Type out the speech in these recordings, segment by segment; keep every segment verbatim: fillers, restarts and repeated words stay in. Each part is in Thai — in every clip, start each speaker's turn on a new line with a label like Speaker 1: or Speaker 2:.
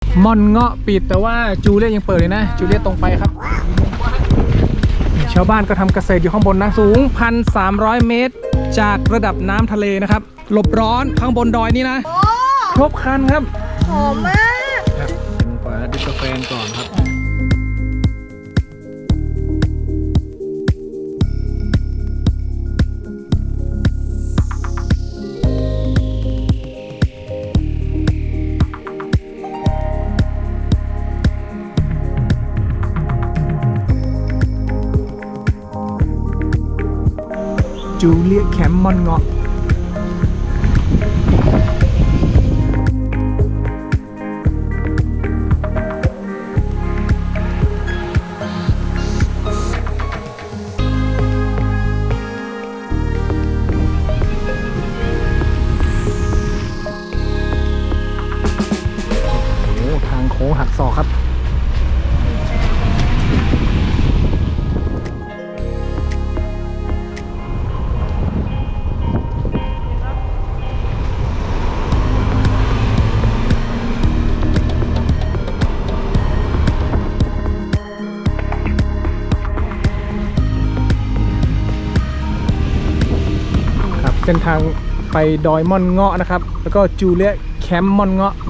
Speaker 1: ม่อนเงาะปิดแต่ว่าจูเลียยังเปิดเลยนะจูเลียตรงไปครับชาวบ้านก็ทำเกษตรอยู่ข้างบนนะสูง หนึ่งพันสามร้อย เมตรจากระดับน้ำทะเลนะครับหลบร้อนข้างบนดอยนี่นะครบครันครับ
Speaker 2: หอมมาก
Speaker 1: ครับเป็นก่อนแล้วดิบกาแฟก่อนครับจูเลียแคมป์ม่อนเงาะโอ้ทางโค้งหักศอกครับเส้นทางไปดอยม่อนเงาะนะครับแล้วก็จูเลียแคมป์ม่อนเงาะ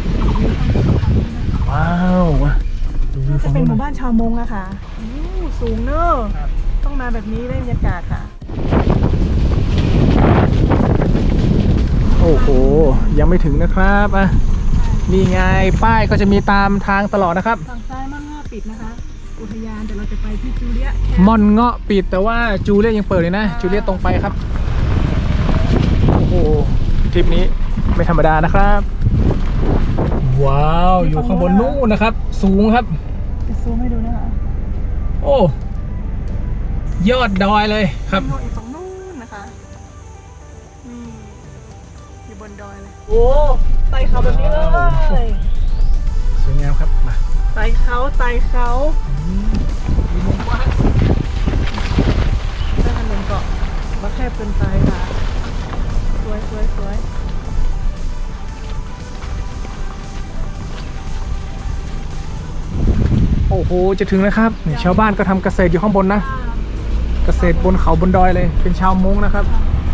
Speaker 1: ว้าว
Speaker 2: จะเป็นหมู่บ้านชาวมงอะค่ะสูงเนอะต้องมาแบบนี้ได้บรรยากาศค่ะ
Speaker 1: โอ้โหยังไม่ถึงนะครับอ่ะนี่ไงป้ายก็จะมีตามทางตลอดนะครับ
Speaker 2: ฝั่งซ้ายม่อนเงาะปิดนะคะอุทยานแต่เราจะไปที่จูเลีย
Speaker 1: ม่อนเงาะปิดแต่ว่าจูเลียยังเปิดเลยนะจูเลียตรงไปครับโอ้โหทริปนี้ไม่ธรรมดานะครับว้าวอยู่ข้างบนนู้นนะครับสูงครับ
Speaker 2: จะซูมให้ดูนะคะ
Speaker 1: โอ้ยอดดอยเลยครับ
Speaker 2: อีกฝั่งนู้นนะคะนี่อยู่บนดอยเลยโอ้ไต่เขาแบบนี้เลย
Speaker 1: สวยงามครับมา
Speaker 2: ไต่เขาไต่เขาถ้าถนนเกาะมาแคบเกินไปค่ะสวยสวยสวย
Speaker 1: โอ้โหจะถึงแล้วครับชาวบ้านก็ทำเกษตรอยู่ข้างบนนะเกษตรบนเขาบนดอยเลยเป็นชาวมงนะครับ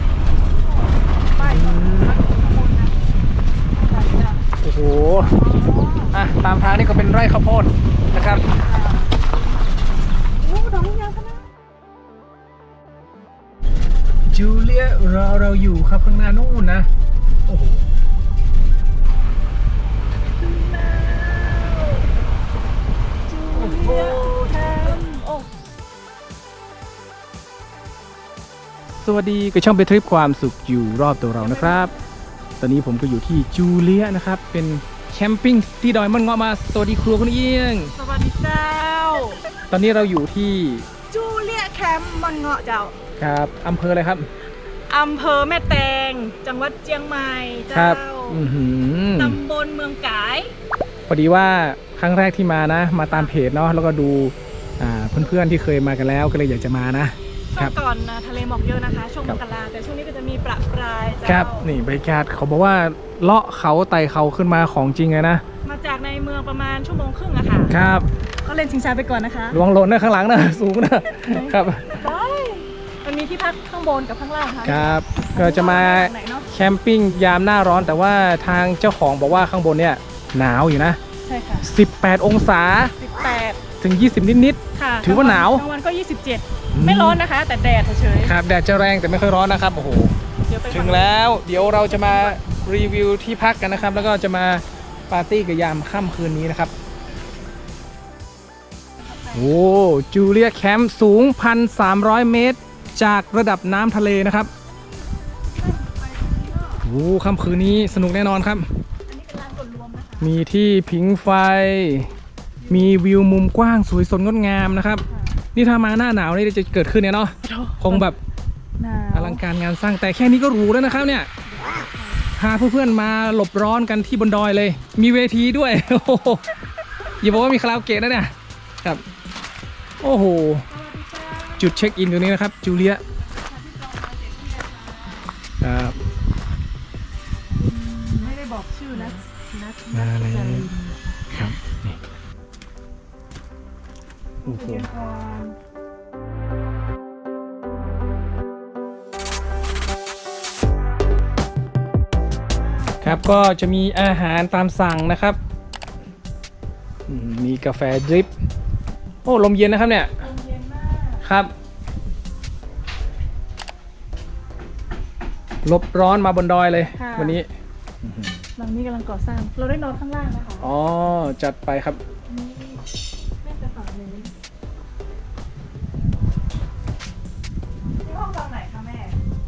Speaker 1: โอ้โหอ่ะตามทางนี่ก็เป็นไร่ข้าวโพดนะครับ
Speaker 2: โอ้ดอกยางขนาด
Speaker 1: จูเลียรอเราอยู่ครับข้างหน้านู่นนะโอ้โหสวัสดีกับช่องเบทริปความสุขอยู่รอบตัวเรานะครับตอนนี้ผมก็อยู่ที่จูเลียนะครับเป็นแคมปิ้งที่ดอยม่อนเงาะมาสวัสดีครัวคุณเอียง
Speaker 2: สวัสดีเจ้า
Speaker 1: ตอนนี้เราอยู่ที่
Speaker 2: จูเลียแคมป์ม่อนเงาะเจ้า
Speaker 1: ครับอำเภออะไรครับ
Speaker 2: อำเภอแม่แตงจังหวัดเชียงใหม่เจ้าตำบลเมืองกาย
Speaker 1: พอดีว่าครั้งแรกที่มานะมาตามเพจเนาะแล้วก็ดูเพื่อนๆที่เคยมากันแล้วก็เลยอยากจะมานะ
Speaker 2: ช่วงก่อนทะเลหมอกเยอะนะคะช่วงมกราแต่ช่วงนี้ก็จะมีประปราย
Speaker 1: ครับนี่บรรยากาศเขาบอกว่าเลาะเขาไต่เขาขึ้นมาของจริงเลยนะ
Speaker 2: มาจากในเมืองประมาณชั่วโมงครึ่งอะค่ะ
Speaker 1: ครับ
Speaker 2: ก็เล่นชิงช้าไปก่อนนะคะ
Speaker 1: ระวังหล่นนะข้างหลังนะสูงนะครับ
Speaker 2: ได้มันมีที่พักข้างบนกับข้างล่างค่ะ
Speaker 1: ครับก็จะมาแคมปิ้งยามหน้าร้อนแต่ว่าทางเจ้าของบอกว่าข้างบนเนี่ยหนาวอยู่นะ
Speaker 2: ใช่ค่ะ
Speaker 1: สิบแปดองศา
Speaker 2: สิบแปด
Speaker 1: ถึงยี่สิบนิดๆถือว่าหนาว
Speaker 2: กลางวันก็ยี่สิบเจ็ดไม่ร้อนนะคะแต่แดดเฉย
Speaker 1: ๆครับแดดจะแรงแต่ไม่ค่อยร้อนนะครับโอ้โหถึงแล้วเดี๋ยวเราจะมารีวิวที่พักกันนะครับแล้วก็จะมาปาร์ตี้กับยามค่ำคืนนี้นะครับโอ้จูเลียแคมป์สูง หนึ่งพันสามร้อย เมตรจากระดับน้ำทะเลนะครับโอ้ค่ำคืนนี้สนุกแน่นอนครับมีที่ผิงไฟมีวิวมุมกว้างสวยสดงดงามนะครับนี่ถ้ามาหน้าหนาวนี่จะเกิดขึ้นเนี่ยเนาะคงแบบอลังการงานสร้างแต่แค่นี้ก็หรูแล้วนะครับเนี่ยพาเพื่อนๆมาหลบร้อนกันที่บนดอยเลยมีเวทีด้วยอย่าบอกว่ามีคาราโอเกะนะเนี่ยครับโอ้โหจุดเช็คอินตรงนี้นะครับจูเลียครับ
Speaker 2: ไม่ได้บอกชื่อนะ
Speaker 1: มาเลยอ้โห
Speaker 2: เย็นก่อน
Speaker 1: ครับก็จะมีอาหารตามสั่งนะครับอืมมีกาแฟดริปโอ้ลมเย็นนะครับเนี่ย
Speaker 2: ลมเย็นมาก
Speaker 1: ครับลบร้อนมาบนดอยเลย
Speaker 2: ค่ะ
Speaker 1: วันนี้
Speaker 2: หลังนี้กำลังก่อสร้าง เราได้นอนข้างล่างนะคะ
Speaker 1: อ๋อจัดไปครับ
Speaker 2: นี่แม่จะฝากเลยนี่ห้องตอนไหนคะแม่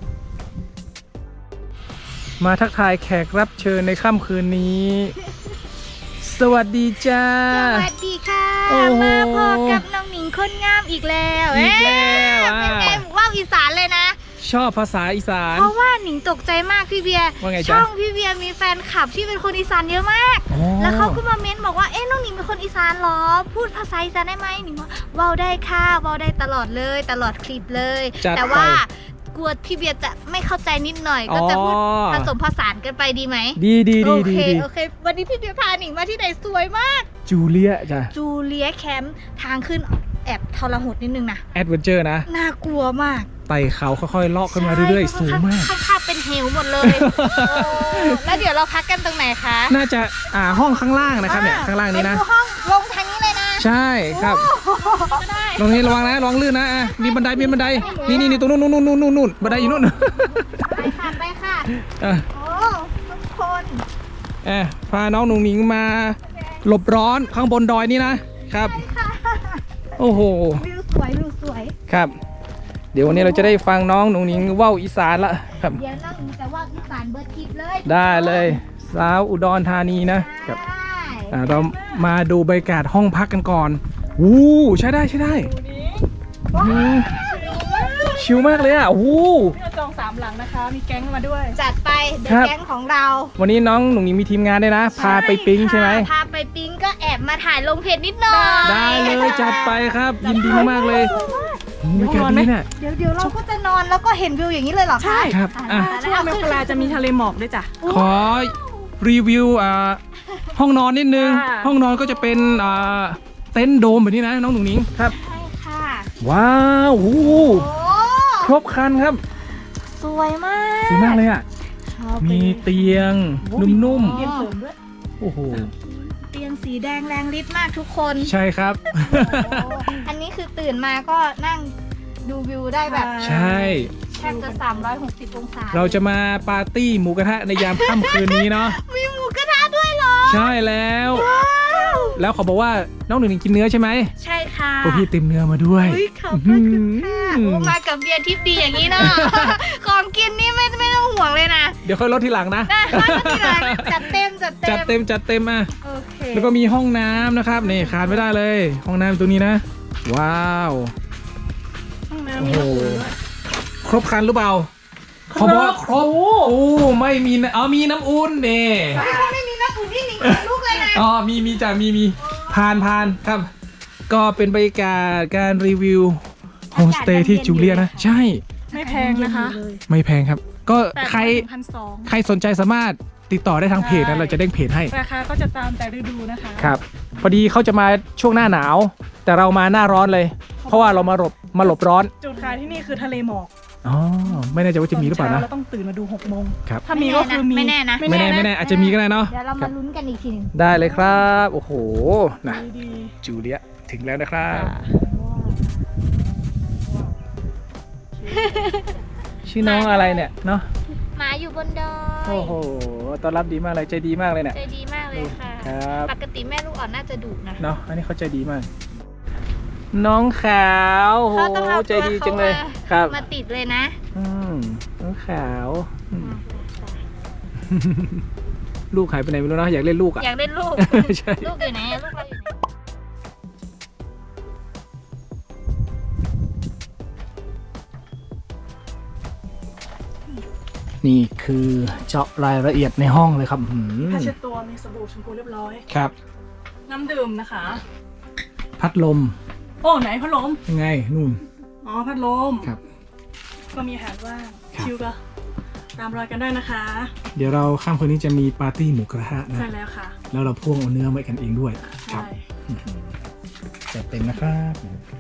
Speaker 1: มาทักทายแขกรับเชิญในค่ำคืนนี้ สวัสดีจ้า
Speaker 3: สวัสดีค่ะ
Speaker 1: โอ้โห
Speaker 3: มาพบกับน้องหนิงคนงามอีกแล้ว
Speaker 1: อีกแล้ว
Speaker 3: เอ๊ะ
Speaker 1: อ่า
Speaker 3: เป็นไงว่าวอีสานเลยนะ
Speaker 1: ชอบภาษาอีสาน
Speaker 3: เพราะว่าหนิงตกใจมากพี่เบียร์
Speaker 1: ว่าไงจ๊ะ
Speaker 3: ช่องพี่เบียร์มีแฟนคลับที่เป็นคนอีสานเยอะมาก
Speaker 1: อ๋อ
Speaker 3: แล้วเขาก็มาเม้นบอกว่าเอ๊ะน้องหนิงเป็นคนอีสานเหรอ พูดภาษาอีสานได้ไหมหนิงว่าเว้าได้ค่ะเว้าได้ตลอดเลยตลอดคลิปเลย
Speaker 1: จัด
Speaker 3: แต่ว่า
Speaker 1: ไป
Speaker 3: กลัวพี่เบียร์จะไม่เข้าใจนิดหน่อย ก็จะพูด
Speaker 1: อ๋อ
Speaker 3: ผสมผสานกันไปดีไหม
Speaker 1: ดีดี
Speaker 3: โอ
Speaker 1: ดี
Speaker 3: เค
Speaker 1: ดีดี
Speaker 3: โอเค วันนี้พี่เบียร์พาหนิงมาที่ไหนสวยมาก
Speaker 1: จูเลียจ้ะ
Speaker 3: จูเลียแคมป์ทางขึ้นแอบทรหดนิดนึงนะ
Speaker 1: แอดเวนเจอร์นะ
Speaker 3: น่ากลัวมาก
Speaker 1: ไต่เขาค่อยๆเลาะขึ้นมาเรื่อยๆ สูงมาก
Speaker 3: ข้างๆเป็นเหวหมดเลยโอ้แล้วเดี๋ยวเราพักกันตรงไหนคะ
Speaker 1: น่าจะอ่าห้องข้างล่างนะครับเนี่ยข้างล่างนี้นะ
Speaker 3: ไปดูห้องลงทางนี้เลยนะ
Speaker 1: ใช่ครับ
Speaker 3: ก็ได้
Speaker 1: ตรงนี้ระวังนะระวังลื่นนะอ่ะมีบันไดมีบันไดนี่นี่นี่ตรงนู้นนู้นนู้นนู้นนู้นบันไดอยู่นู้น
Speaker 3: ไปค่ะไปค่ะ
Speaker 1: อ่ะ
Speaker 3: โอ้ทุกคน
Speaker 1: เอ่ะพาน้องหนุ่งหนิงมาหลบร้อนข้างบนดอยนี่นะครับ
Speaker 3: ไปค่ะ
Speaker 1: โอ้โห
Speaker 3: วิวสวยวิวสวย
Speaker 1: ครับ เดี๋ยววันนี้เราจะได้ฟังน้องหนุ่งหนิงว่าวอีสานละครับ
Speaker 3: เดี๋ยวน้องหนิงจะว่าอีสานเบิร์ดทิปเลย
Speaker 1: ได้เลยสาวอุดรธานีนะครับ
Speaker 3: ได้
Speaker 1: อ่ะเรามาดูบรรยากาศห้องพักกันก่อนอู้ใช้ได้ใช้ได้
Speaker 2: ดูนี้
Speaker 1: อืมชิลมากเลยอ่ะโอ้โห
Speaker 2: นี่เราจองสามหลังนะคะ มีแก๊งมาด้วย
Speaker 3: จัดไปเด
Speaker 1: ครั
Speaker 3: อะ
Speaker 1: บ
Speaker 3: แก๊งของเรา
Speaker 1: วันนี้น้องหนุ่งหนิงมีทีมงานด้วยนะ พาไปปิ๊งใช่ไหม
Speaker 3: พาไปปิ๊งก็แอบมาถ่ายลงเพจนิดหน่อย
Speaker 1: ได้เลยจัดไปครับ ยินดีมากๆเลยโอ้โหบรรยากาศดีเนี่ย
Speaker 3: เดี๋ยวเดี๋ยวเราก็จะนอนแล้วก็เห็นวิวอย่างนี้เลยเหรอคะ
Speaker 2: ใช่
Speaker 1: ครับอ่ะ
Speaker 2: ช่วงมกราจะมีทะเลหมอกด้วยจ้ะ
Speaker 1: ขอรีวิวอ่าห้องนอนนิดนึง
Speaker 2: ค่ะ
Speaker 1: ห้องนอนก็จะเป็นอ่าเต็นท์โดมแบบนี้นะน้องหนุ่งหนิงครับ
Speaker 3: ใช่ค่ะ
Speaker 1: ว้าวโอ้โห
Speaker 3: โอ้
Speaker 1: ครบครันครับ
Speaker 3: สวยมาก
Speaker 1: สวยมากเลยอ่ะ
Speaker 2: ชอบไป
Speaker 1: มีเตียงนุ่ม
Speaker 2: เตียงเสริมด้วย
Speaker 1: ๆโอ้โห
Speaker 3: เตียงสีแดงแรงฤทธิ์มากทุกคน
Speaker 1: ใช่ครับ
Speaker 3: อันนี้คือตื่นมาก็นั่งดูวิวได้แบบ
Speaker 1: ใช่
Speaker 3: แทบจะสามร้อยหกสิบองศา
Speaker 1: เราจะมาปาร์ตี้หมูกระทะในยามค่ำคืนนี้เนาะ
Speaker 3: มีหมูกระทะด้วยเหรอ
Speaker 1: ใช่แล้ว
Speaker 3: ว้าว
Speaker 1: แล้วเขาบอกว่าน้องหนึ่งกินเนื้อใช่ไหม
Speaker 3: ใช่ค่ะ
Speaker 1: พวกพี่เต็มเนื้อมาด้วย
Speaker 3: อุ้ยขอบคุณค่ะโอ้มากับเบียร์ทิพย์ดีอย่างนี้เนาะ ของกินนี่ไม่ไม่ต้องห่วงเลยนะ
Speaker 1: เดี๋ยวค่อยลดทีหลังนะ
Speaker 3: ได้ค่ะทีหลังจัดเต็มจัดเต็ม
Speaker 1: จัดเต็มจัดเต็มอ่ะ
Speaker 3: โอเค
Speaker 1: แล้วก็มีห้องน้ำนะครับนี่ขาดไม่ได้เลย ห้องน้ำตัวนี้นะ ว้าว
Speaker 2: ห้อง
Speaker 1: โอ้
Speaker 2: น้ำมี
Speaker 1: โห
Speaker 2: น้ำอุ่นด้วย
Speaker 1: ครบครันหรือเปล่าเขาบอกว่าครบโอ้ไม่มีนะอ๋อมีน้ำอุ่นนี่
Speaker 3: ถ้าไม่มีน้ำอุ่นนี่หนิงขนลุกเลยนะ
Speaker 1: อ๋อมีมีจ้ะมีมีผ่านผ่านครับ ก็เป็นบรรยากาศการรีวิวโฮมสเตย์ที่จูเลียนะ ใช่
Speaker 2: ไม่แพงนะคะ
Speaker 1: ไม่แพงครับ ก็ใคร
Speaker 2: พันสอง
Speaker 1: ใครสนใจสามารถติดต่อได้ทางเพจนะเราจะเด้งเพจให้
Speaker 2: ราคาก็จะตามแต่ฤดูนะคะ
Speaker 1: ครับ พอดีเขาจะมาช่วงหน้าหนาว แต่เรามาหน้าร้อนเลย เพราะว่าเรามาหลบมาหลบร้อน
Speaker 2: จุดขายที่นี่คือทะเลหมอก
Speaker 1: อ๋อไม่แน่ใจว่าจะมีหรือเปล่านะ
Speaker 2: เราต้องตื่นมาดูหกโมง
Speaker 1: ครับ
Speaker 2: ถ้ามีก็คือมี
Speaker 3: ไม่แน่นะ
Speaker 1: ไม่แน่ไม่แน่อาจจะมีก็ได้เนาะ
Speaker 3: เดี๋ยวเรามาลุ้นกันอีกทีหนึง
Speaker 1: ได้เลยครับ โอ้โหนะ
Speaker 2: ดี
Speaker 1: จูเลียถึงแล้วนะครับ ชื่อน้องอะไรเนี่ยเนาะ
Speaker 3: หมาอยู่บนดอย
Speaker 1: โอ้โหต้อนรับดีมากเลยใจดีมากเลยเนี่ย
Speaker 3: ใจดีมากเลยค่ะ
Speaker 1: ครับ
Speaker 3: ปกติแม่ลูกอ่อนน่าจะดุนะ
Speaker 1: เนาะอันนี้เขาใจดีมาก น้องขาวโอ้โห
Speaker 3: เขาต้องเอา
Speaker 1: ใจ
Speaker 3: ตัว
Speaker 1: ดี
Speaker 3: เขา
Speaker 1: จังเลย
Speaker 3: มา
Speaker 1: ครับ
Speaker 3: มาติดเลยนะ
Speaker 1: อืมน้องขาวอืมลูกหายไปไหนไม่รู้นะอยากเล่นลูกอ่ะ
Speaker 3: อยากเล่นลูก
Speaker 1: ใช่
Speaker 3: ลูกอยู่ไหนอะลูกเราอยู่ไหน
Speaker 1: นี่คือเจาะรายละเอียดในห้องเลยครับหืม
Speaker 2: ๆผ้าเช็ดตัวมีสบู่แชมพูเรียบร้อย
Speaker 1: ครับ
Speaker 2: น้ำดื่มนะคะ
Speaker 1: พัดลม
Speaker 2: โอ้ไหนพัดลม
Speaker 1: ยังไงนู่น
Speaker 2: อ๋อพัดลม
Speaker 1: ครับ
Speaker 2: ก็มีอาหารว่าง
Speaker 1: ครับ
Speaker 2: ชิวก็ตามรอยกันได้นะคะ
Speaker 1: เดี๋ยวเราข้ามคืนนี้จะมีปาร์ตี้หมูกระทะนะ
Speaker 2: ใช่แล้วค่ะ
Speaker 1: แล้วเราพ่วงเอาเนื้อไว้กันเองด้วยครั
Speaker 2: ใช่
Speaker 1: บจัดเต็มนะครับ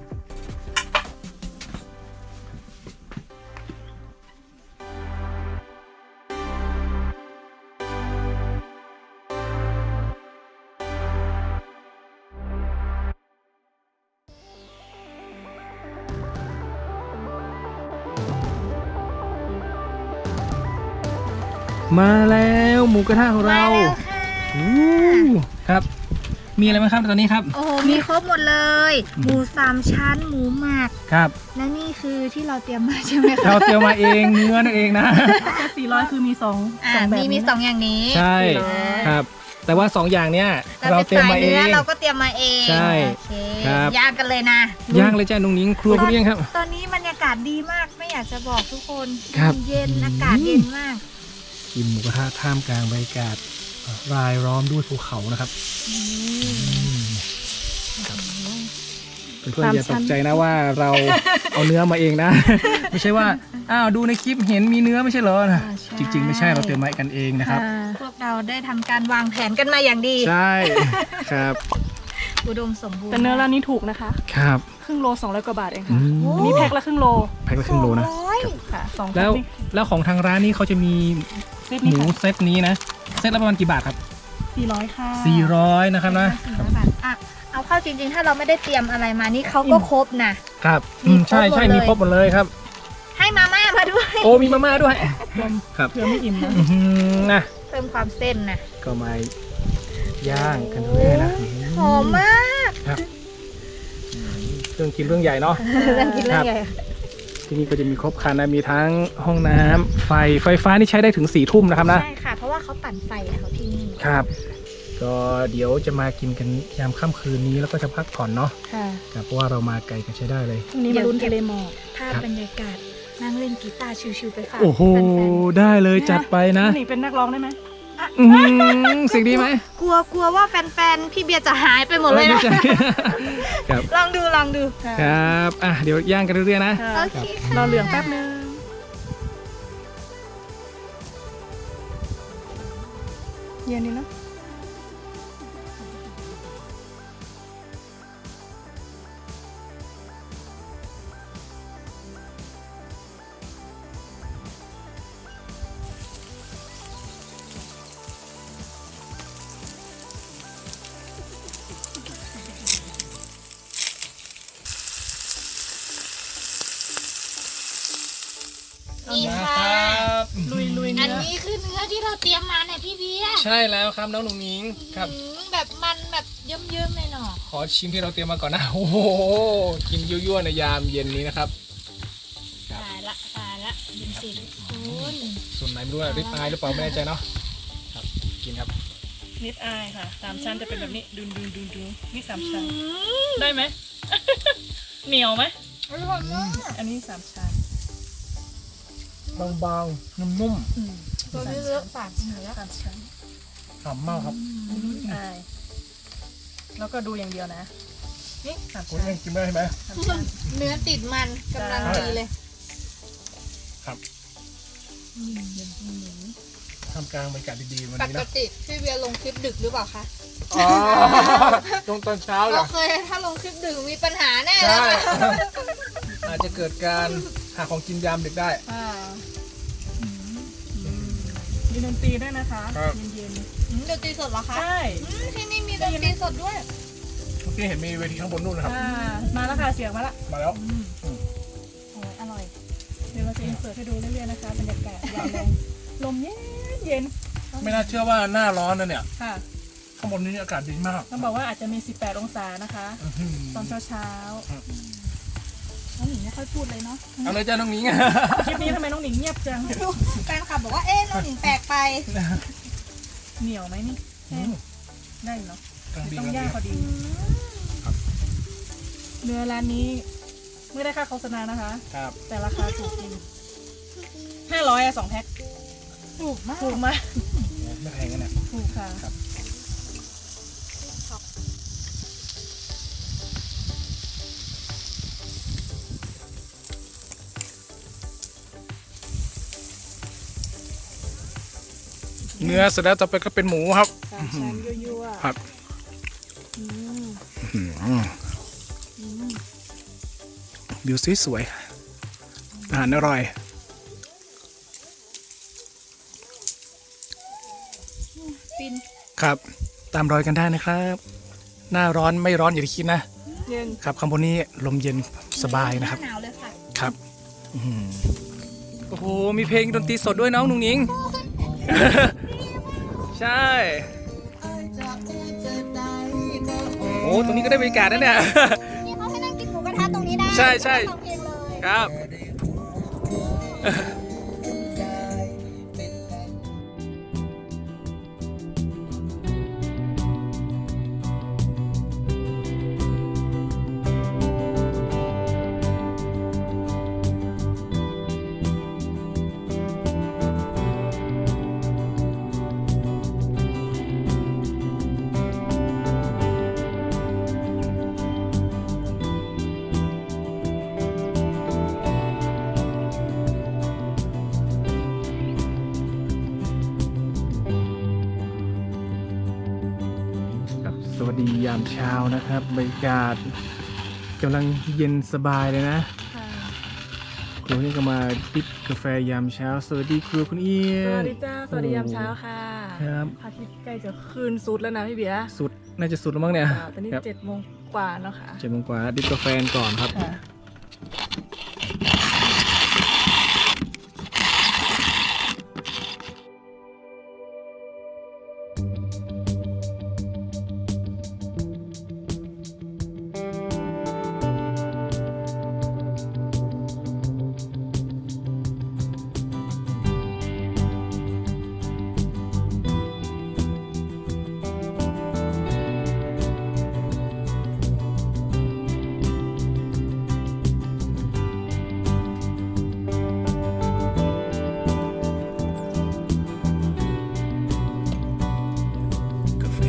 Speaker 1: มาแล้วหมูกระทะของเรา
Speaker 3: มาแล้วค่ะ
Speaker 1: อู้ครับ มีอะไรไหมครับตอนนี้ครับ
Speaker 3: โอ้โหมีครบหมดเลย หมูสามชั้น หมูหมัก
Speaker 1: ครับ
Speaker 3: และนี่คือที่เราเตรียมมาใช่ไหมคะ
Speaker 1: เราเตรียมมาเองเนื้อนั่นเองนะ
Speaker 2: แค่สี่ร้อยคือมีสอง
Speaker 3: อ่า
Speaker 2: สองแบบ
Speaker 3: มีมี
Speaker 2: นี้
Speaker 3: สองอย่างนี้
Speaker 1: ใช่ ครับ แต่ว่าสองอย่างเนี้ยเรา
Speaker 3: เรา
Speaker 1: เตรียม
Speaker 3: เป็นสาย
Speaker 1: มาเอ
Speaker 3: เนื้อง เราก็เตรียมมาเอง
Speaker 1: ใช่
Speaker 3: โอเค
Speaker 1: ครับ
Speaker 3: ย่างกันเลยนะ
Speaker 1: ย่างเลยจ้านุงนิ้งครัวคุณเองครับ
Speaker 3: ตอนนี้บรรยากาศดีมากไม่อยากจะบอกทุกคน
Speaker 1: ครับ
Speaker 3: เย็นอากาศเย็นมาก
Speaker 1: กินหมูกระทะท่ามกลางบรรยากาศรายล้อมด้วยภูเขานะครับครับเพื่อนๆอย่าตกใจนะว่าเราเอาเนื้อมาเองนะ ไม่ใช่ว่าอ้าวดูในคลิปเห็นมีเนื้อไม่ใช่เหรอนะ
Speaker 3: อ่าใช่
Speaker 1: จริง ๆ ไม่ใช่เราเตรียมมากันเองนะครับ
Speaker 2: อ่า
Speaker 3: พวกเราได้ทำการวางแผนกันมาอย่างดี
Speaker 1: ใช่ครับ
Speaker 3: อุดมสมบูรณ์
Speaker 2: แต่เนื้อร้านนี้ถูกนะคะ
Speaker 1: ครับ
Speaker 2: ครึ่งโลสองร้อยกว่าบาทเอง
Speaker 1: อื
Speaker 2: ค่ะ
Speaker 1: ม
Speaker 2: อันนี้แพ็คละครึ่งโล
Speaker 1: แพ็คละครึ่งโลนะ
Speaker 3: สองร้อย
Speaker 2: ค่ะสอง
Speaker 1: แล้ว
Speaker 2: พ็คนี่
Speaker 1: แล้วของทางร้านนี้เขาจะมี
Speaker 2: เซต
Speaker 1: ห
Speaker 2: นี้
Speaker 1: มู
Speaker 2: ค่ะ
Speaker 1: เซตนี้นะเซตละประมาณกี่บาทครับ
Speaker 2: สี่ร้อยค่ะ
Speaker 1: สี่ร้อยนะครับนะ
Speaker 3: สี่ร้อยบาทอ่ะเอาเข้าจริงๆ ถ้าเราไม่ได้เตรียมอะไรมานี่เขาก็ครบนะ
Speaker 1: ครับ
Speaker 3: มี
Speaker 1: อืม
Speaker 3: ครบ
Speaker 1: ใช่ใช่
Speaker 3: หมดเลย
Speaker 1: มีครบหมดเลยครับ
Speaker 3: ให้มาม่ามาด้วย
Speaker 1: โอ้มีมาม่าด้วย
Speaker 2: รวม
Speaker 1: ครับ
Speaker 2: เผื่อไม่อิ่มนะ
Speaker 1: อื้อหือนะ
Speaker 3: เพิ่มความเส้นนะ
Speaker 1: ก็มาย่างกันด้วยนะ
Speaker 3: หอมมาก
Speaker 1: ครับเครื่องกินเรื่องใหญ่เนาะ
Speaker 3: เรื่องกินเรื่องใหญ่
Speaker 1: ที่นี่ก็จะมีครบครันนะมีทั้งห้องน้ำไฟไฟฟ้านี่ใช้ได้ถึงสี่ทุ่มนะครับนะ
Speaker 3: ใช่ค่ะ เพราะว่าเขาปั่นไฟอะเขาที่นี่
Speaker 1: ครับ ก็เดี๋ยวจะมากินกันยามค่ำคืนนี้แล้วก็จะพักผ่อนเนาะ
Speaker 2: ค่ะ
Speaker 1: ครับเพราะว่าเรามาไกลกันใช้ได้เลย
Speaker 2: พรุ่งนี้มาลุ้นทะเลหมอก
Speaker 3: ภาพบรรยากาศนั่งเล่นกีตาร์ชิวๆไปฝาก
Speaker 1: โอ้โห
Speaker 3: แฟน
Speaker 1: ได้เลยจัดไปนะ
Speaker 2: หนิงเป็นนักร้องได้ไหม
Speaker 1: อื้อหือเสียงดีไหม
Speaker 3: ๆกลัวกลัวว่าแฟนๆ พี่เบียร์จะหายไปหมดเลย
Speaker 1: ไม่
Speaker 3: นะ
Speaker 1: ใช่ ครับ
Speaker 3: ลองดูลองดู
Speaker 2: ค่ะ
Speaker 1: ครับอ่ะเดี๋ยวย่างกันเรื่อยๆนะ
Speaker 2: ค่ะ
Speaker 3: โอเคค่ะ
Speaker 2: รอเหลืองแป๊บนึงเย็นดีเนอะ
Speaker 3: นี่
Speaker 1: มา
Speaker 3: ค่ะ
Speaker 1: ครับ
Speaker 2: ลุยลุย
Speaker 3: อัน
Speaker 2: เนื้อ
Speaker 3: นี้คือเนื้อที่เราเตรียมมาเนี่ยพี่เบียร์
Speaker 1: ใช่แล้วครับน้องหนุ่งนิ้งครับ
Speaker 3: อืมแบบมันแบบเยิ้มๆเลยเนาะ
Speaker 1: ขอชิมที่เราเตรียมมาก่อนนะ โอ้โห กินยั่วๆในยามเย็นนี้นะครับ ครับ
Speaker 3: ตายละตายละยินสิคุณ
Speaker 1: ส่วนไหนไม่รู้อะริบอายหรือเปล่าไม่แน่ใจเนาะ ครับ กินครับ
Speaker 2: นิดอายค่ะสามชั้นจะเป็นแบบนี้ดุนดุนดุนดุนนี่สามชั้น
Speaker 3: อืม
Speaker 2: ได้ไหม เหนียวไหม
Speaker 3: อร่อยมาก
Speaker 2: อันนี้สามชั้น
Speaker 1: บางๆ นุ่ม
Speaker 2: อืม
Speaker 3: ตัวนี้เลือกฝากเหนือ
Speaker 2: สามชั้น
Speaker 1: ๆหอมมากครับ
Speaker 2: นิดอายแล้วก็ดูอย่างเดียวนะ นี่สาม
Speaker 1: คุณ
Speaker 2: ชั้น
Speaker 1: เองกินได้ไหม
Speaker 2: สามชั้น
Speaker 3: เนื้อติดมันกำลังดีเลย
Speaker 1: ครับ
Speaker 2: อืมเย็นหมู
Speaker 1: ทำกลางบรรยากาศดีๆวัน
Speaker 3: ป
Speaker 1: นี้
Speaker 3: ก
Speaker 1: นะ
Speaker 3: ติพี่เบียร์ลงคลิปดึกหรือเปล่าคะ
Speaker 1: อ๋อตรงตอนเช้าเหร
Speaker 3: เรา
Speaker 1: อ
Speaker 3: เคยถ้าลงคลิปดึกมีปัญหาแน่เล
Speaker 1: ใช่
Speaker 3: ย
Speaker 1: อาจจะเกิดการหาของกินยามดึกได้
Speaker 2: อ่าอืมมีดนตรีด้วยนะคะ
Speaker 1: ครับ
Speaker 2: เย็น
Speaker 3: อืมดนตรีสดเหรอ
Speaker 2: ๆ
Speaker 3: คะ
Speaker 2: ใช่
Speaker 3: อืมที่นี่มีดนตรีสดด้วย
Speaker 1: เมื่อกี้เห็นมีเวทีข้างบนนู่นนะครับ
Speaker 2: อ่ามาแล้วค่ะเสียงมาละ
Speaker 1: มาแล้ว
Speaker 2: อืม
Speaker 3: โอ้ยอร่อย
Speaker 2: เดี๋ยวเราจะอินเสิร์ตให้ดูเรื่อยๆนะคะบรรยากาศยามลมลมเย็นเย็น
Speaker 1: ไม่น่าเชื่อว่าหน้าร้อนนะเนี่ย
Speaker 2: ค่ะ
Speaker 1: ข้างบนนี้อากาศดีมาก
Speaker 2: ต้องบอกว่าอาจจะมีสิบแปดองศานะคะ
Speaker 1: อื้อหือ
Speaker 2: ตอนเช้าๆ
Speaker 1: ครับ
Speaker 2: น้องหนิงไม่ค่อยพูดเลยเนาะ
Speaker 1: เอาเลยจ้าน้องนิ้ง
Speaker 2: คลิปนี้ทำไมน้องหนิงเงียบจัง
Speaker 3: แฟนคลับบอกว่าเอ๊ะน้องหญิงแปลกไป
Speaker 2: เหนียวไหมนี่
Speaker 1: อืม
Speaker 2: ได้อยู่เนาะ
Speaker 1: กลางดี
Speaker 2: ต้อง
Speaker 1: กลาง
Speaker 2: ย่างพอ
Speaker 1: ดี
Speaker 2: ดีเนื้อร้านนี้ไม่ได้ค่าโฆษณานะคะ
Speaker 1: ครับ
Speaker 2: แต่ราคาถูกจริงห้าร้อยอะสองแพ็ค
Speaker 3: ถูกมาก
Speaker 2: ถูกมาก
Speaker 1: ไม่แพงกันเนี่ย
Speaker 2: ถูกค่ะ
Speaker 1: ครับ เนื้อเสร็จแล้วต่อไปก็เป็นหมูครับ
Speaker 2: สามชั้นยั่วๆ
Speaker 1: ครับ
Speaker 2: อืม
Speaker 1: อื้อหือวิวสวยๆอาหารอร่อย
Speaker 2: ฟิน
Speaker 1: ครับ ตามรอยกันได้นะครับ หน้าร้อนไม่ร้อนอย่างที่คิดนะ
Speaker 2: เย็น
Speaker 1: ครับข้างบนนี้ลมเย็นสบายนะครับ
Speaker 3: หนาวเลยค่ะ
Speaker 1: ครับอื้อหือโอ้โห มีเพลงดนตรีสดด้วยน้องนุ้งนิง ใช่ โอ้ตรงนี้ก็ได้บรรยากาศนะเนี่ย
Speaker 3: นี่เขาให้นั่งกินหมูกระทะตรงนี้ได้
Speaker 1: ใช่ใช่
Speaker 3: ฟังเพลงเลย
Speaker 1: ครับ ครับสวัสดียามเช้านะครับบรรยากาศกำลังเย็นสบายเลยนะ
Speaker 2: ค่ะ
Speaker 1: ครูนี่ก็มาดริบกาแฟยามเช้า สวัสดีครูคุณเอีย
Speaker 2: ส
Speaker 1: น
Speaker 2: วัสดีจ้าสวัสดียามเช้าค่ะ
Speaker 1: ครับ
Speaker 2: พระอาทิตย์ใกล้จะคืนสุดแล้วนะพี่เบียร์
Speaker 1: สุดน่าจะสุดแล้วมั้งเนี่ย
Speaker 2: อ่าตอนนี้
Speaker 1: ครับ
Speaker 2: เจ็ดโมงกว่าแล้วค่ะ
Speaker 1: เจ็ดโมงกว่าดริบกาแฟก่อนครับ
Speaker 2: ค่ะ
Speaker 1: กาแฟ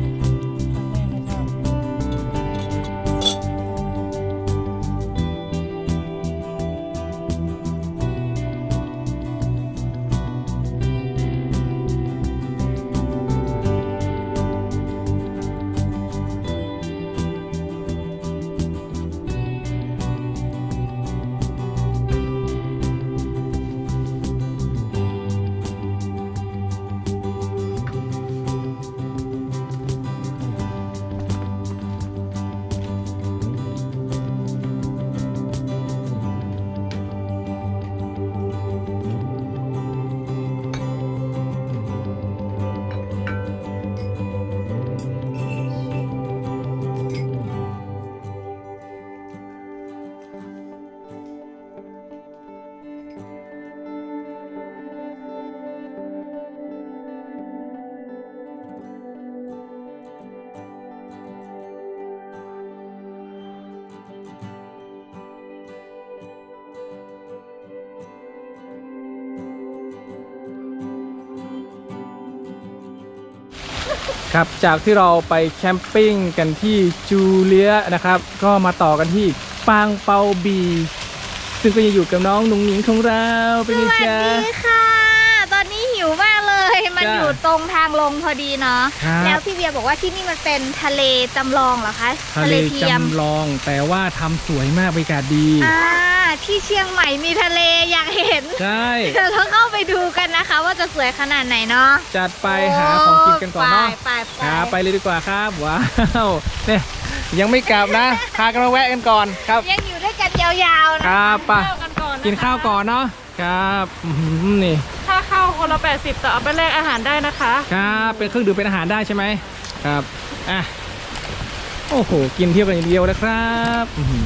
Speaker 1: ครับจากที่เราไปแคมปิ้งกันที่จูเลียนะครับ ก็มาต่อกันที่ปางเปาบีซึ่งก็ยังอยู่กับน้องหนุ่งหนิงของเราเป็น
Speaker 3: ส
Speaker 1: ไง
Speaker 3: วัส
Speaker 1: จ๊ะ
Speaker 3: ดีค่ะ ตอนนี้หิวมากเลย มัน
Speaker 1: จ้ะ
Speaker 3: อยู่ตรงทางลงพอดีเนาะ
Speaker 1: ครับ
Speaker 3: แล้วพี่เบียร์บอกว่าที่นี่มันเป็นทะเลจำลองเหรอคะ
Speaker 1: ทะเล
Speaker 3: เทียม
Speaker 1: จำลองแต่ว่าทำสวยมากบรรยากาศดี
Speaker 3: อ่าที่เชียงใหม่มีทะเลอยากเห็น
Speaker 1: ใช่
Speaker 3: เดี๋ยวเราเข้าไปดูกันนะคะ ว่าจะสวยขนาดไหนเนาะ
Speaker 1: จัดไปหาของกินกันก่อนเนาะ
Speaker 3: ไปไป
Speaker 1: หาไปเลยดีกว่าครับว้าวเนี่ยยังไม่กลับนะพากันมาแวะกันก่อนครับ
Speaker 3: ยังอยู่ด้วยกันยาวๆนะครับ
Speaker 1: ไป
Speaker 2: ข้าวกันก่อนนะคะ
Speaker 1: กินข้าวก่อนเนาะครับอื้อหือนี่
Speaker 2: ถ้าเข้าคนละแปดสิบแต่เอาไปแลกอาหารได้นะคะ
Speaker 1: ครับเป็นเครื่องดื่มเป็นอาหารได้ใช่ไหมครับอ่ะโอ้โหกินเที่ยวกันอย่างเดียวเลยครับอื้อหือ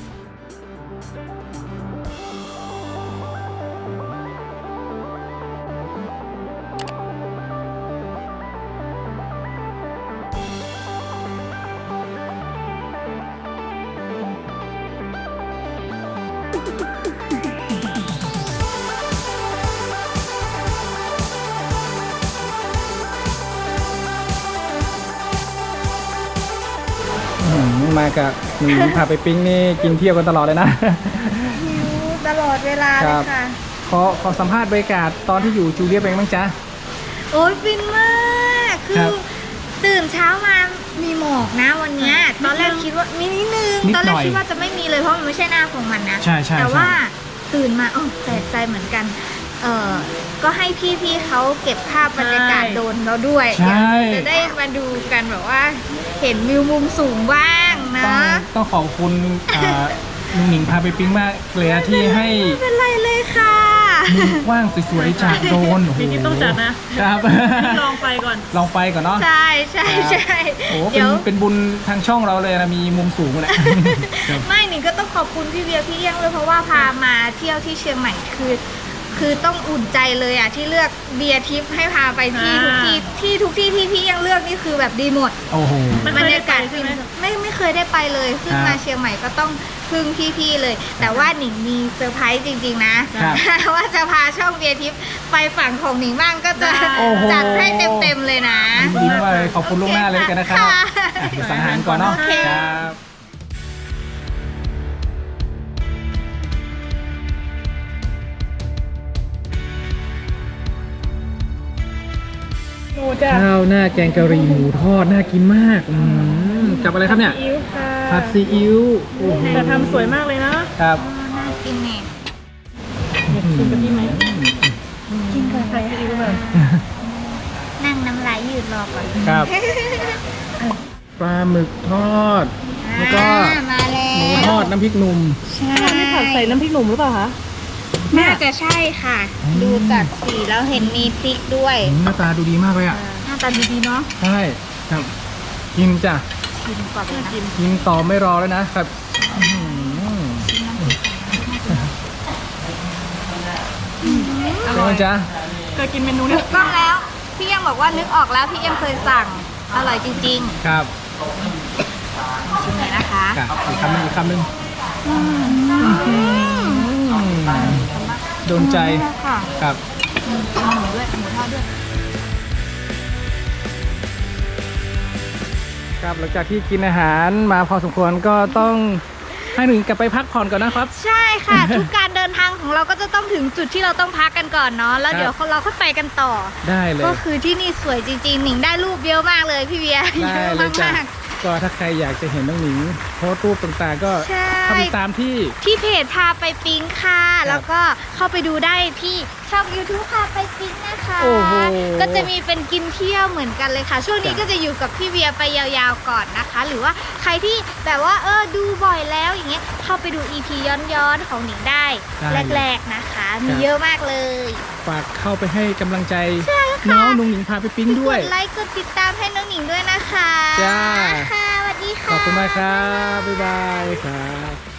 Speaker 1: อื้อหือมากับหนีพาไปปิ้งนี่กินเที่ยวกันตลอดเลยนะ
Speaker 3: หิวตลอดเวลา
Speaker 1: ค
Speaker 3: เล
Speaker 1: รั
Speaker 3: ย
Speaker 1: บ
Speaker 3: ค่ะ
Speaker 1: ขอขอสัมภาษณ์บรรยากาศตอนที่อยู่จูเลียเป็นไงบ้างจ๊ะ
Speaker 3: โอ้ยฟินมาก คื
Speaker 1: ครั
Speaker 3: อบ ตื่นเช้ามามีหมอกนะวันเนี้ยตอนแรกคิดว่ามีนิดนึง
Speaker 1: นิด
Speaker 3: ตอน
Speaker 1: ห
Speaker 3: แร
Speaker 1: น่
Speaker 3: ก
Speaker 1: อย
Speaker 3: คิดว่าจะไม่มีเลยเพราะมันไม่ใช่หน้าของมันนะ
Speaker 1: ใช่ใช่
Speaker 3: แต่
Speaker 1: ใช่
Speaker 3: ว่าตื่นมาเออแปลกใจเหมือนกัน เออก็ให้พี่ๆเขาเก็บภาพบรรยากาศโดรนเราด้วย
Speaker 1: ใช่
Speaker 3: เดี๋ยวจะได้มาดูกันแบบว่า เห็นวิวมุมสูงบ้างนะ
Speaker 1: ต้องต้องขอบคุณอ่าลุงหนิงพาไปปิ๊งมากเลยนะที่ให้
Speaker 3: ไม่เป็นไรเลยค่ะ
Speaker 1: มุมกว้างสวยๆจากโดรนโอ้โห
Speaker 2: ปีนี้ต้องจัดนะ
Speaker 1: ครับ
Speaker 2: ลองไปก่อน
Speaker 1: ลองไปก่อนเนาะ
Speaker 3: ใช่ใช่ใช่
Speaker 1: โอ้โหเป็
Speaker 3: เดี๋
Speaker 1: น
Speaker 3: ยว
Speaker 1: เป็นบุญทางช่องเราเลยนะมีมุมสูงนะครับ
Speaker 3: ไม่หนิงก็ต้องขอบคุณพี่เบียร์พี่เอี้ยงเลยเพราะว่าพามาเที่ยวที่เชียงใหม่คือ คือต้องอุ่นใจเลยอ่ะที่เลือกเบียร์ทิปให้พาไปที่ทุกที่ที่ทุกที่ที่พี่เอี้ยงเลือกนี่คือแบบดีหมด
Speaker 1: โอ้โห
Speaker 2: มัน
Speaker 3: บร
Speaker 2: เคย
Speaker 3: ร
Speaker 2: ได้
Speaker 3: ยา
Speaker 2: ไป
Speaker 3: กาศ
Speaker 2: ใช่ไหม
Speaker 3: ไม่ไม่เคยได้ไปเลยขึ้น
Speaker 1: ครับ
Speaker 3: มาเชียงใหม่ก็ต้องพึ่งพี่ๆเลย แต่ว่าหนิงมีเซอร์ไพรส์จริงๆนะครับ ว่าจะพาช่องเบียร์ทิปไปฝั่งของหนิงบ้างก็จะ
Speaker 1: โอ้โห
Speaker 3: จัดให้เต็มๆเลยนะ
Speaker 1: ดีมากเลยขอบคุณล่วงหน้าเลยกันนะครับ
Speaker 3: ค่ะ
Speaker 1: อ่ะเดี๋ยวสั่งอาหารก่อนเนาะ
Speaker 3: โอเค
Speaker 1: ครับ
Speaker 2: หมูจ้ะ
Speaker 1: ข้าวหน้าแกงกะหรี่หมูทอดน่ากินมากอืมกับอะไรครับเนี่ย
Speaker 2: อิ๊วค่ะ
Speaker 1: ผัดซีอิ๊วโอ้โห
Speaker 2: แต่ทำสวยมากเลยนะครับ
Speaker 3: น่ากินเนี่ย
Speaker 2: อยากชิมกะทิไหม
Speaker 3: กินก่อน
Speaker 2: ผัดซีอิ๊วแบบ
Speaker 3: นั่งน้ำลายยืดรอก่อน
Speaker 1: ครับปลาหมึกทอด แล้วก็
Speaker 3: อ่ามาแล้
Speaker 1: หมู
Speaker 3: ว
Speaker 1: ทอดน้ำพริกหนุ่ม
Speaker 3: ใช่
Speaker 2: อันนี้ผัดใส่น้ำพริกหนุ่มหรือเปล่าคะ
Speaker 3: น่าจะใช่ค่ะ
Speaker 1: อืม
Speaker 3: ดูจากสีแล้วเห็นมีพริกด้วย
Speaker 1: หน้าตาดูดีมากเลยอ่ะ
Speaker 3: หน้าตาดีๆเนาะ
Speaker 1: ใช่ครับกินจ้ะ
Speaker 3: ชิมก่อนเลยนะ
Speaker 1: กินต่อไม่รอแล้วนะครับอื้อหือ
Speaker 2: อ
Speaker 1: เป็น
Speaker 2: ร่อ
Speaker 1: ไง
Speaker 2: ย
Speaker 1: จ๊ะ
Speaker 2: เคยกินเมนู
Speaker 3: ถู
Speaker 2: นี้
Speaker 3: กต้องแล้ว พี่ยังบอกว่านึกออกแล้วพี่ยังเคยสั่ง อร่อยจริง
Speaker 1: ครับ
Speaker 3: ๆ ชิมเลยนะคะ
Speaker 1: ครับอีกคำหนึงอีกคำหนึง
Speaker 3: อืม
Speaker 1: อืมโดนใจ
Speaker 3: ค่ะ
Speaker 1: ครับ
Speaker 3: อืมเอาหมูด้วย หมูทอดด้วย
Speaker 1: ครับหลังจากที่กินอาหารมาพอสมควรก็ต้องให้หนึ่งกลับไปพักผ่อนก่อนนะครับ
Speaker 3: ใช่ค่ะ ทุกการเดินทางของเราก็จะต้องถึงจุดที่เราต้องพักกันก่อนเนาะ แล้ว
Speaker 1: ครับ
Speaker 3: เดี๋ยวเราค่อยไปกันต่อ
Speaker 1: ได้เลย
Speaker 3: ก็คือที่นี่สวยจริงๆ หนิงได้รูปเยอะมากเลยพี่เบียร์
Speaker 1: ได้
Speaker 3: เยอะ
Speaker 1: เลยจ้ะ
Speaker 3: มาก
Speaker 1: ก็ถ้าใครอยากจะเห็นน้องหนิงโพสต์รูปต่างๆ ก็
Speaker 3: ใช่
Speaker 1: เข้าไปตามที่
Speaker 3: ๆที่เพจพาไปปิ๊งค่ะ แล้วก็เข้าไปดูได้ที่ช่อง YouTube พาไปปิ๊งนะคะ
Speaker 1: โอ้โห
Speaker 3: ก็จะมีเป็นกินเที่ยวเหมือนกันเลยค่ะ ช่วงนี้
Speaker 1: จ้ะ
Speaker 3: ก็จะอยู่กับพี่เบียร์ไปยาวๆก่อนนะคะ หรือว่าใครที่แบบว่าเออดูบ่อยแล้วอย่างเงี้ยเข้าไปดู อี พี ย้อนๆของหนิงได้
Speaker 1: ได้
Speaker 3: แรกๆนะคะ มี
Speaker 1: ครับ
Speaker 3: เยอะมากเลย
Speaker 1: ฝากเข้าไปให้กำลังใจน้องนุ่งหนิงพาไปปิ๊งด้วย
Speaker 3: กดไลค์กดติดตามให้น้องหนิงด้วยนะคะ
Speaker 1: จ้า
Speaker 3: ค่ะสวัสดีค่ะ
Speaker 1: ขอบคุณมากครับ บ๊ายบายครับ